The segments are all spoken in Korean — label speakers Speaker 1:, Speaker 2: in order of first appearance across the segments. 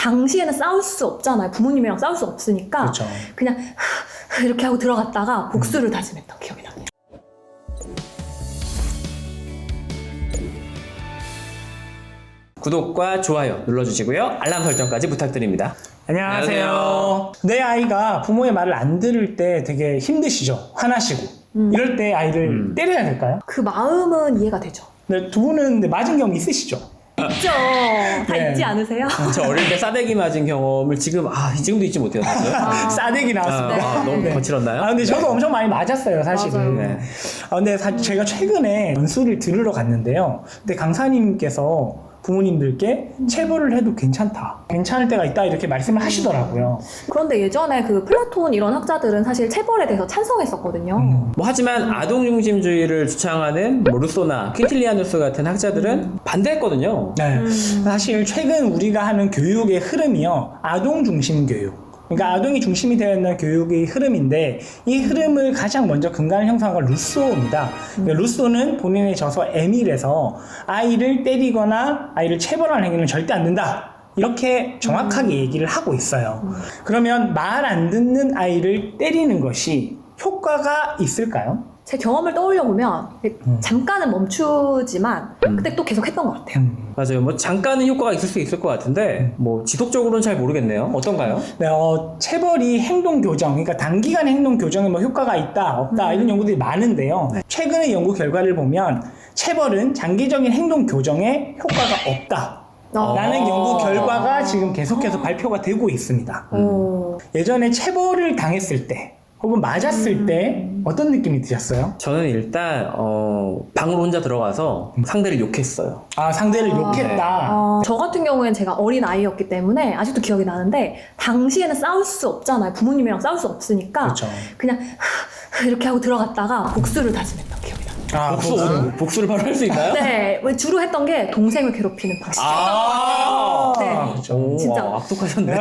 Speaker 1: 당시에는 싸울 수 없잖아요. 부모님이랑 싸울 수 없으니까
Speaker 2: 그렇죠.
Speaker 1: 그냥 이렇게 하고 들어갔다가 복수를 다짐했던 기억이 나네요.
Speaker 3: 구독과 좋아요 눌러주시고요. 알람 설정까지 부탁드립니다.
Speaker 2: 안녕하세요. 내 아이가 부모의 말을 안 들을 때 되게 힘드시죠? 화나시고. 이럴 때 아이를 때려야 될까요?
Speaker 1: 그 마음은 이해가 되죠.
Speaker 2: 네, 두 분은 근데 맞은 경험 있으시죠?
Speaker 1: 있죠. 다
Speaker 2: 네.
Speaker 1: 있지 않으세요?
Speaker 3: 저 어릴 때 싸대기 맞은 경험을 지금도 잊지 못해요. 사실.
Speaker 2: 싸대기 나왔습니다.
Speaker 3: 너무
Speaker 2: 네.
Speaker 3: 거칠었나요?
Speaker 2: 근데 저도 엄청 많이 맞았어요, 사실은.
Speaker 1: 맞아요.
Speaker 3: 네.
Speaker 2: 근데 제가 최근에 연수를 들으러 갔는데요. 근데 강사님께서 부모님들께 체벌을 해도 괜찮다. 괜찮을 때가 있다. 이렇게 말씀을 하시더라고요.
Speaker 1: 그런데 예전에 그 플라톤 이런 학자들은 사실 체벌에 대해서 찬성했었거든요.
Speaker 3: 하지만 아동 중심주의를 주창하는 루소나 퀸틸리아누스 같은 학자들은 반대했거든요.
Speaker 2: 네. 사실 최근 우리가 하는 교육의 흐름이요. 아동 중심 교육. 그러니까 아동이 중심이 되어 있는 교육의 흐름인데 이 흐름을 가장 먼저 근간을 형성한 건 루소입니다. 그러니까 루소는 본인의 저서 에밀에서 아이를 때리거나 아이를 체벌하는 행위는 절대 안 된다. 이렇게 정확하게 얘기를 하고 있어요. 그러면 말 안 듣는 아이를 때리는 것이 효과가 있을까요?
Speaker 1: 제 경험을 떠올려 보면 잠깐은 멈추지만 그때 또 계속 했던 것 같아요.
Speaker 3: 맞아요. 잠깐은 효과가 있을 수 있을 것 같은데 지속적으로는 잘 모르겠네요. 어떤가요?
Speaker 2: 네, 체벌이 행동 교정, 그러니까 단기간 행동 교정에 효과가 있다, 없다 이런 연구들이 많은데요. 최근의 연구 결과를 보면 체벌은 장기적인 행동 교정에 효과가 없다. 라는 연구 결과가 지금 계속해서 발표가 되고 있습니다. 예전에 체벌을 당했을 때 혹은 맞았을 때 어떤 느낌이 드셨어요?
Speaker 3: 저는 일단 방으로 혼자 들어가서 상대를 욕했어요.
Speaker 2: 상대를 욕했다.
Speaker 1: 저 같은 경우에는 제가 어린 아이였기 때문에 아직도 기억이 나는데 당시에는 싸울 수 없잖아요. 부모님이랑 싸울 수 없으니까
Speaker 2: 그렇죠.
Speaker 1: 그냥 이렇게 하고 들어갔다가 복수를 다짐했던 기억이 나요.
Speaker 3: 복수를 바로 할 수 있나요?
Speaker 1: 네, 주로 했던 게 동생을 괴롭히는 방식. 네,
Speaker 2: 그렇죠.
Speaker 1: 진짜.
Speaker 3: 악독하셨네.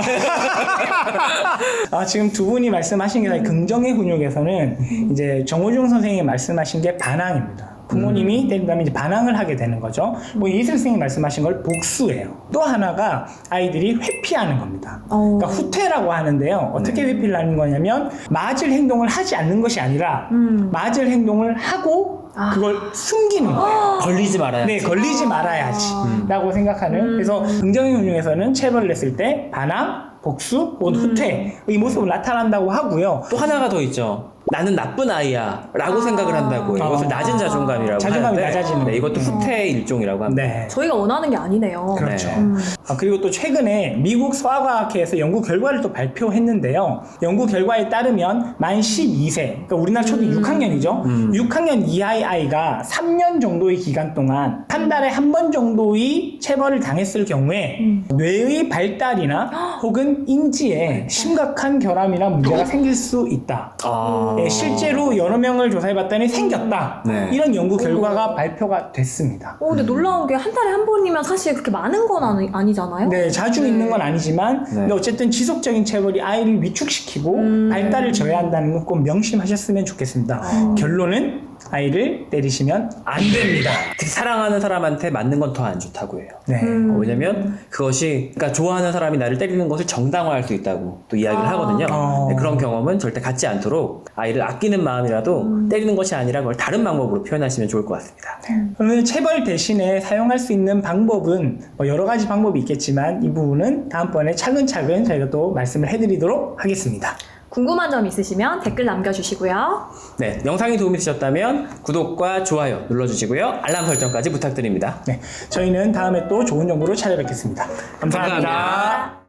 Speaker 2: 지금 두 분이 말씀하신 게 사실 긍정의 훈육에서는 이제 정호중 선생님이 말씀하신 게 반항입니다. 부모님이 때린다면 이제 반항을 하게 되는 거죠. 이슬 선생님이 말씀하신 걸 복수예요. 또 하나가 아이들이 회피하는 겁니다. 그러니까 후퇴라고 하는데요. 어떻게 회피를 하는 거냐면 맞을 행동을 하지 않는 것이 아니라 맞을 행동을 하고 그걸 숨기는 거예요.
Speaker 3: 걸리지 말아야지.
Speaker 2: 네, 걸리지 말아야지. 라고 생각하는. 그래서 긍정의 운용에서는 체벌을 했을 때 반항, 복수, 혹은 후퇴 이 모습을 나타난다고 하고요.
Speaker 3: 또 하나가 더 있죠. 나는 나쁜 아이야 라고 생각을 한다고 해요. 이것을 낮은 자존감이라고
Speaker 2: 자존감이
Speaker 3: 하는데
Speaker 2: 낮아지는
Speaker 3: 이것도 후퇴의 일종이라고 합니다.
Speaker 2: 네.
Speaker 1: 저희가 원하는 게 아니네요.
Speaker 2: 그렇죠.
Speaker 3: 네.
Speaker 2: 그리고 또 최근에 미국 소아과학회에서 연구 결과를 또 발표했는데요. 연구 결과에 따르면 만 12세, 그러니까 우리나라 초등 6학년이죠. 6학년 이하의 아이가 3년 정도의 기간 동안 한 달에 한 번 정도의 체벌을 당했을 경우에 뇌의 발달이나 혹은 인지에 심각한 결함이나 문제가 생길 수 있다. 네, 실제로 여러 명을 조사해봤더니 생겼다.
Speaker 3: 네.
Speaker 2: 이런 연구 결과가 발표가 됐습니다.
Speaker 1: 근데 놀라운 게 한 달에 한 번이면 사실 그렇게 많은 건 아니잖아요?
Speaker 2: 네, 자주 있는 건 아니지만 근데 어쨌든 지속적인 체벌이 아이를 위축시키고 발달을 저해한다는 건 꼭 명심하셨으면 좋겠습니다. 결론은 아이를 때리시면 안 됩니다.
Speaker 3: 특히 사랑하는 사람한테 맞는 건 더 안 좋다고 해요.
Speaker 2: 네.
Speaker 3: 왜냐면 그러니까 좋아하는 사람이 나를 때리는 것을 정당화할 수 있다고 또 이야기를 하거든요. 네, 그런 경험은 절대 갖지 않도록 아이를 아끼는 마음이라도 때리는 것이 아니라 그걸 다른 방법으로 표현하시면 좋을 것 같습니다.
Speaker 2: 그러면 체벌 대신에 사용할 수 있는 방법은 여러 가지 방법이 있겠지만 이 부분은 다음번에 차근차근 저희가 또 말씀을 해드리도록 하겠습니다.
Speaker 1: 궁금한 점 있으시면 댓글 남겨주시고요.
Speaker 3: 네, 영상이 도움이 되셨다면 구독과 좋아요 눌러주시고요. 알람 설정까지 부탁드립니다.
Speaker 2: 네, 저희는 다음에 또 좋은 정보로 찾아뵙겠습니다. 감사합니다.